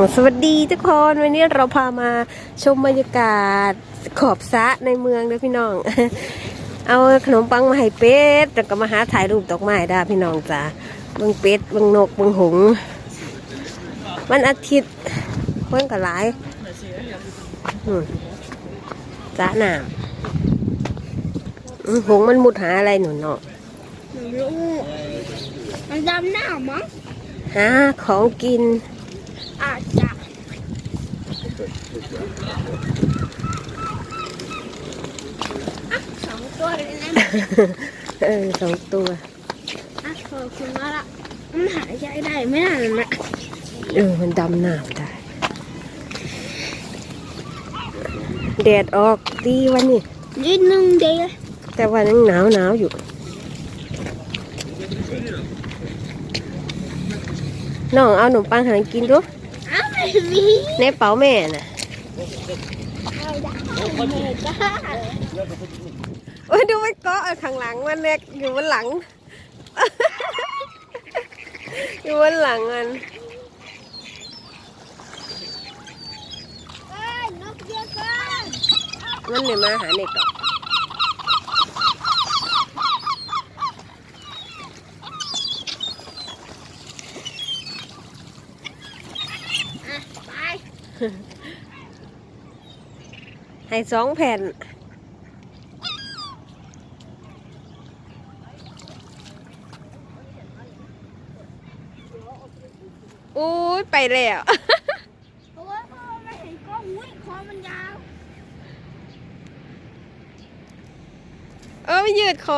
สวัสดีทุกคนวันนี้เราพามาชมบรรยากาศขอบสระในเมืองด้วยพี่น้อง เอาขนมปังมาให้เป็ดแล้วก็มาหาถ่ายรูปดอกไม้ได้พี่น้องจ้าเบิ่งเป็ดเบิ่งนกเบิ่งหงส์วันอาทิตย์เพิ่นก็หลายจ้าหนามหงส์มันมุดหาอะไรหนูเนาะมันดำหน้ามั้งหาของกินอาจจะสองตัวเลยนะสองตัวขอบคุณมากละมันหายใจได้ไม่นานนะมันดำน้ำได้แดดออกดีวันนี้นิดนึงเดียวแต่วันนี้หนาวอยู่น้องเอาขนมปังหากินดูในเป๋าแม่น่ะโอ้ยดูมันเกาะข้างหลังมันเล็กอยู่บนหลัง อยู่บนหลังมันมันเลยมาหาเด็กหรอกให้2 แผ่นอุ้ยไปแล้วเพราะว่าพ่อไม่เห็นกล้องอุ้ยคอมันยาวไม่ยืดคอ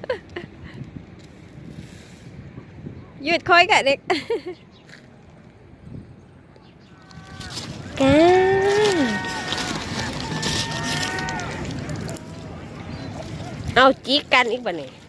ยืดคอยกับเด็กแกเอาจีกันอีกบ่เนี่ย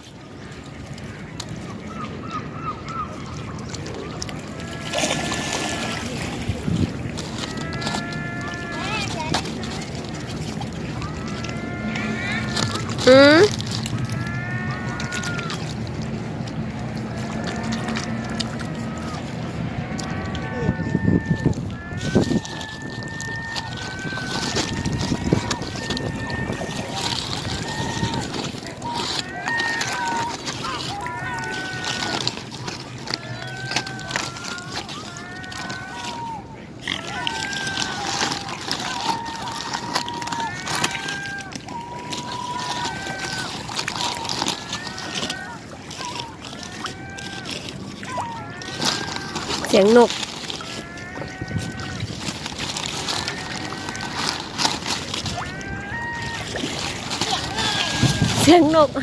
เสียงนกเสียงนก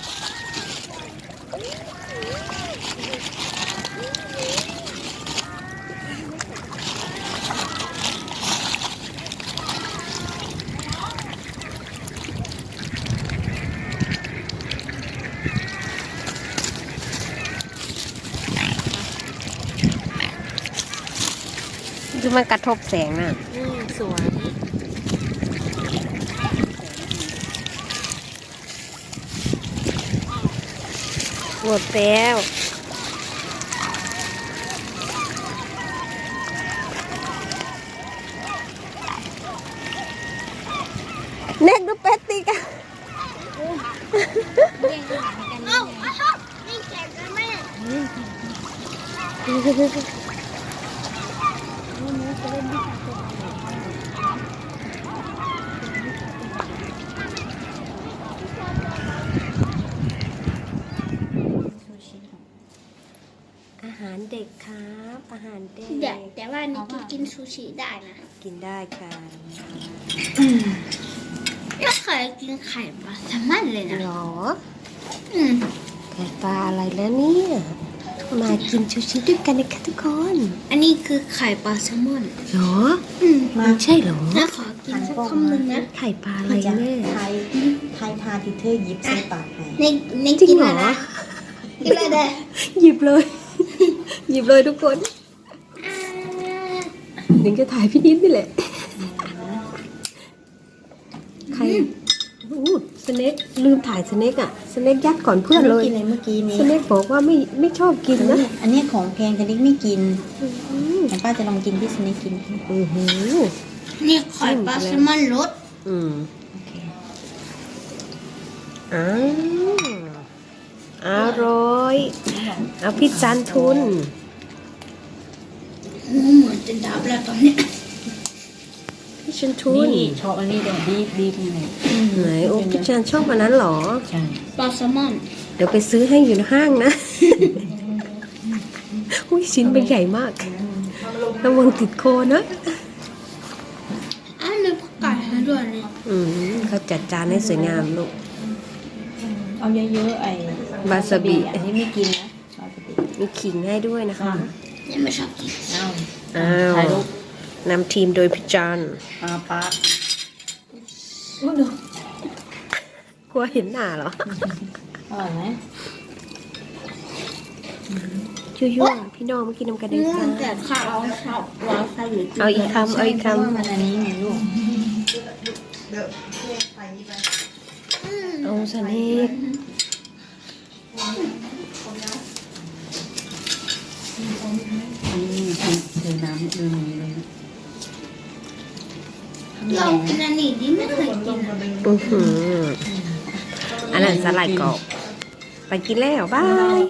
คือมันกระทบแสงน่ะสวยหมดแล้วเน็กดูเป็ดตีกันนี่แกกันแม่อาหารเด็กครับอาหารเด็กแต่ว่านี่กินซูชิได้นะกินได้ค่ะก็เคยกินไข่ปลาแซลมอนเลยนะหรอไข่ปลาอะไรแล้วเนี่ยมากินซูชิด้วยกันนะคะทุกคนอันนี้คือไข่ปลาแซลมอนหรอมาใช่หรอน่าขอกินสักคำหนึ่งนะไข่ปลาอะไรเนี่ยไทยทาที่เธอหยิบใส่ปากในกินอะไรกินอะไรเด้หยิบเลย หยิบเลยทุกคนหนึ่งจะถ่ายพี่นิดนี่แหละใครสเน็กลืมถ่ายสเน็กอ่ะสเน็กยัดก่อนเพื่อนเลยกินอะไรเมื่อกี้นี้สเน็กบอกว่าไม่ชอบกินนะอันนี้ของแพงแต่เด็กไม่กินเดี๋ยวป้าจะลองกินที่สเน็กกินอือหือนี่ไข่ปลาแซลมอนรสอืมโอเคอ้าวอร่อยเอาพี่จันทุนเหมือนจะดับแล้วตอนเนี้ยพี่จันทุนนี่ชอบอันนี้เดี๋ยวบีบนี่เลยไหนโอ้พี่จันชอบอันนั้นเหรอใช่ปลาแซลมอนเดี๋ยวไปซื้อให้อยู่ในห้างนะ อุ้ยชิ้นเป็นใหญ่มากระวังติดโคนะอันนี้ผักไก่ให้ด้วยนี่อืมเขาจัดจานให้สวยงามลูกเอาเยอะๆไอ้วาซาบิอันนี้ไม่กินนะวาซาบิมีขิงให้ด้วยนะคะนี่ไม่ชอบกินเอาอ้าวถ่ายรูปนำทีมโดยพี่จันป้ากลัวเห็นหน้าเหรออร่อยไหมยั่วๆพี่น้องเมื่อกี้นำกันเองเนื่อจ้างจากข้าวชอบวาซาบิเอาอีกคำเอาอีกคเพราะว่ามันอันนี้ไงลูกำเอาสเน็กนี่เทน้ำดูนี้เลยเรากินอันนี้ดิไม่เคยกินอะอือหืออันนั้นสลัดกรอบไปกินแล้วบาย